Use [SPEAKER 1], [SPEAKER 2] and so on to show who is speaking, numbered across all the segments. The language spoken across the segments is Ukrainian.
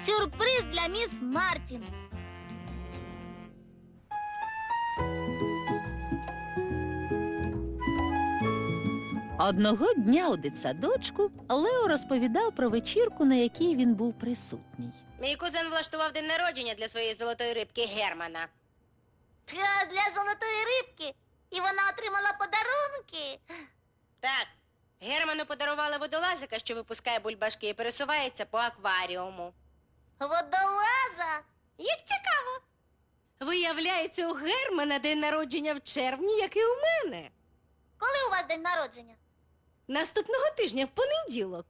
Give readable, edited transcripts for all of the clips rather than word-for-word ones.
[SPEAKER 1] Сюрприз для міс Мартін.
[SPEAKER 2] Одного дня у дитсадочку Лео розповідав про вечірку, на якій він був присутній.
[SPEAKER 3] Мій кузен влаштував день народження для своєї золотої рибки Германа.
[SPEAKER 1] Для золотої рибки. І вона отримала подарунки.
[SPEAKER 3] Так, Герману подарували водолазика, що випускає бульбашки і пересувається по акваріуму.
[SPEAKER 1] Водолаза.
[SPEAKER 3] Як цікаво! Виявляється, у Германа день народження в червні, як і у мене.
[SPEAKER 1] Коли у вас день народження?
[SPEAKER 3] Наступного тижня, в понеділок.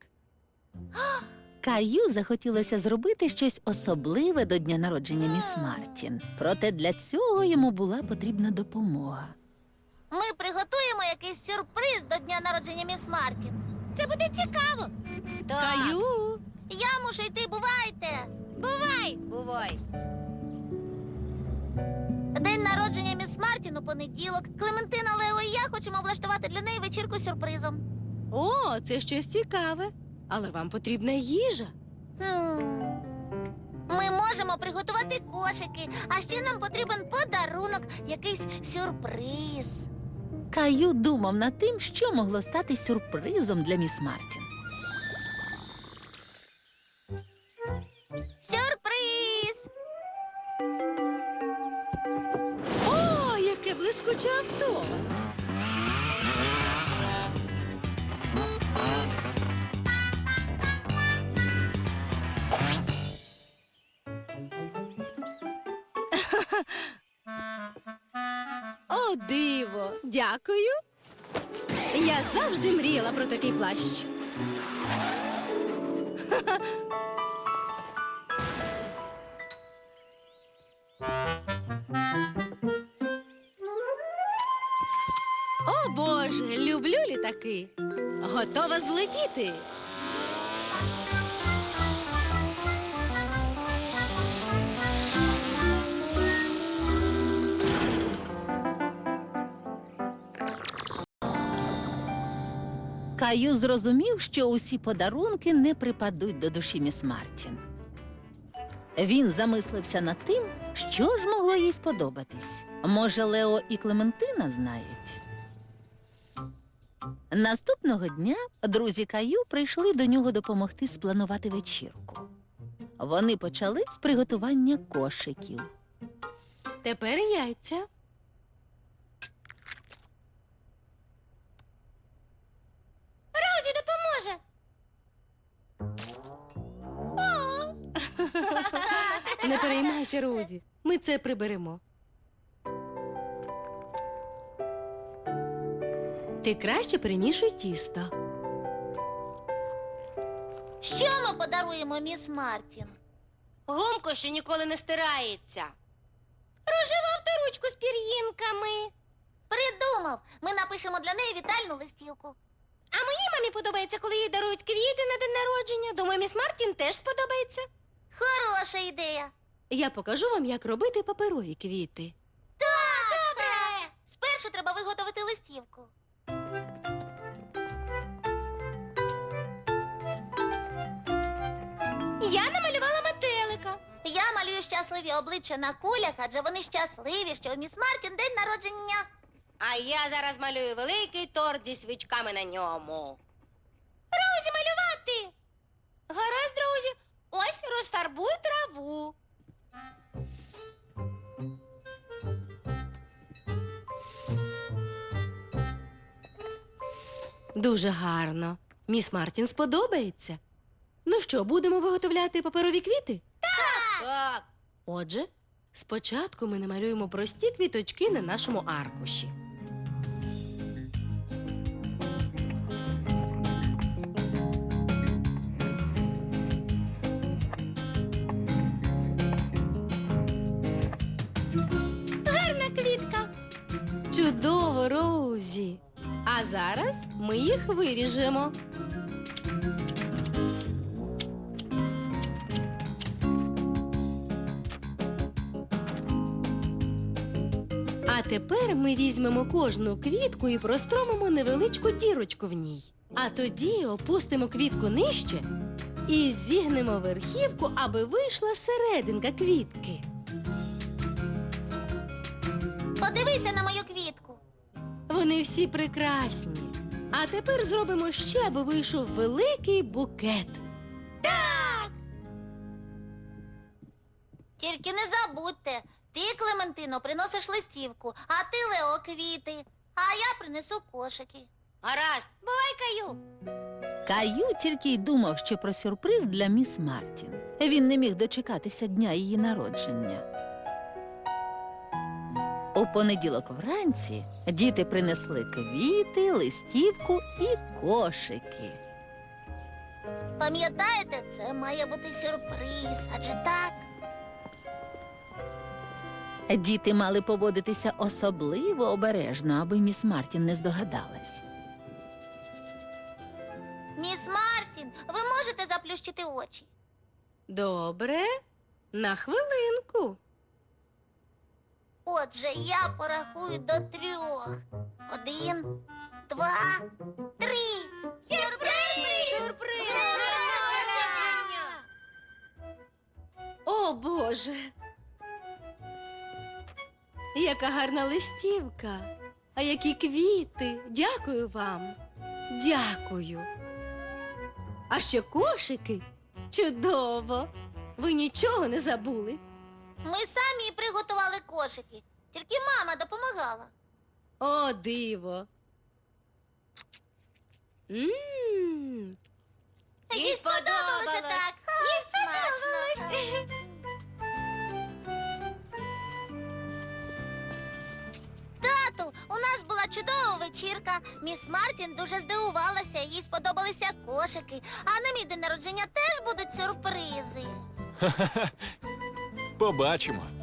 [SPEAKER 2] Каю захотілося зробити щось особливе до дня народження міс Мартін. Проте для цього йому була потрібна допомога.
[SPEAKER 1] Ми приготуємо якийсь сюрприз до дня народження міс Мартін.
[SPEAKER 3] Це буде цікаво. Каю!
[SPEAKER 1] Я мушу йти, бувайте.
[SPEAKER 3] Бувай!
[SPEAKER 1] День народження міс Мартін у понеділок. Клементина, Лео і я хочемо влаштувати для неї вечірку з сюрпризом.
[SPEAKER 3] О, це щось цікаве. Але вам потрібна їжа.
[SPEAKER 1] Ми можемо приготувати кошики, а ще нам потрібен подарунок, якийсь сюрприз.
[SPEAKER 2] Каю думав над тим, що могло стати сюрпризом для міс Мартін.
[SPEAKER 1] Сюрприз!
[SPEAKER 3] О, яке блискуче авто! О, диво! Дякую! Я завжди мріяла про такий плащ. О, Боже, люблю літаки. Готова злетіти.
[SPEAKER 2] Каю зрозумів, що усі подарунки не припадуть до душі міс Мартін. Він замислився над тим, що ж могло їй сподобатись. Може, Лео і Клементина знають? Наступного дня друзі Каю прийшли до нього допомогти спланувати вечірку. Вони почали з приготування кошиків.
[SPEAKER 3] Тепер яйця.
[SPEAKER 1] Розі допоможе.
[SPEAKER 3] Не переймайся, Розі. Ми це приберемо. Ти краще перемішуй тісто.
[SPEAKER 1] Що ми подаруємо міс Мартін?
[SPEAKER 3] Гумко, що ніколи не стирається. Рожеву авторучку з пір'їнками.
[SPEAKER 1] Придумав. Ми напишемо для неї вітальну листівку.
[SPEAKER 3] А моїй мамі подобається, коли їй дарують квіти на день народження. Думаю, міс Мартін теж сподобається.
[SPEAKER 1] Хороша ідея.
[SPEAKER 3] Я покажу вам, як робити паперові квіти.
[SPEAKER 1] Добре. Спершу треба виготовити листівку.
[SPEAKER 3] Я намалювала метелика.
[SPEAKER 1] Я малюю щасливі обличчя на кулях, адже вони щасливі, що у міс Мартін день народження.
[SPEAKER 3] А я зараз малюю великий торт зі свічками на ньому. Розі, малювати! Гаразд, друзі. Ось розфарбуй траву. Дуже гарно. Міс Мартін сподобається. Ну що, будемо виготовляти паперові квіти? Так. Отже, спочатку ми намалюємо прості квіточки на нашому аркуші. Гарна квітка. Чудово, Роузі. А зараз ми їх виріжемо. А тепер ми візьмемо кожну квітку і простромимо невеличку дірочку в ній. А тоді опустимо квітку нижче І зігнемо верхівку, аби вийшла серединка квітки.
[SPEAKER 1] Подивися на мою квітку.
[SPEAKER 3] Вони всі прекрасні. А тепер зробимо ще, аби вийшов великий букет.
[SPEAKER 1] Тільки не забудьте, ти, Клементино, приносиш листівку, а ти, Лео, квіти. А я принесу кошики. Гаразд, бувай, Каю.
[SPEAKER 2] Каю тільки й думав, що про сюрприз для міс Мартін. Він не міг дочекатися дня її народження. У понеділок вранці діти принесли квіти, листівку і кошики.
[SPEAKER 1] Пам'ятаєте, це має бути сюрприз, адже так?
[SPEAKER 2] Діти мали поводитися особливо обережно, аби міс Мартін не здогадалась.
[SPEAKER 1] Міс Мартін, ви можете заплющити очі?
[SPEAKER 3] Добре, на хвилинку.
[SPEAKER 1] Отже, я порахую до 3. 1, 2, 3. Сюрприз! Сюрприз!
[SPEAKER 3] О, Боже! Яка гарна листівка! А які квіти! Дякую вам! Дякую! А ще кошики! Чудово! Ви нічого не забули?
[SPEAKER 1] Ми самі приготували кошики. Тільки мама допомагала.
[SPEAKER 3] О, диво! М.
[SPEAKER 1] Їй сподобалося так. Їй сподобалось. Тату, у нас була чудова вечірка. Міс Мартін дуже здивувалася, їй сподобалися кошики. А на мій день народження теж будуть сюрпризи.
[SPEAKER 4] Побачимо.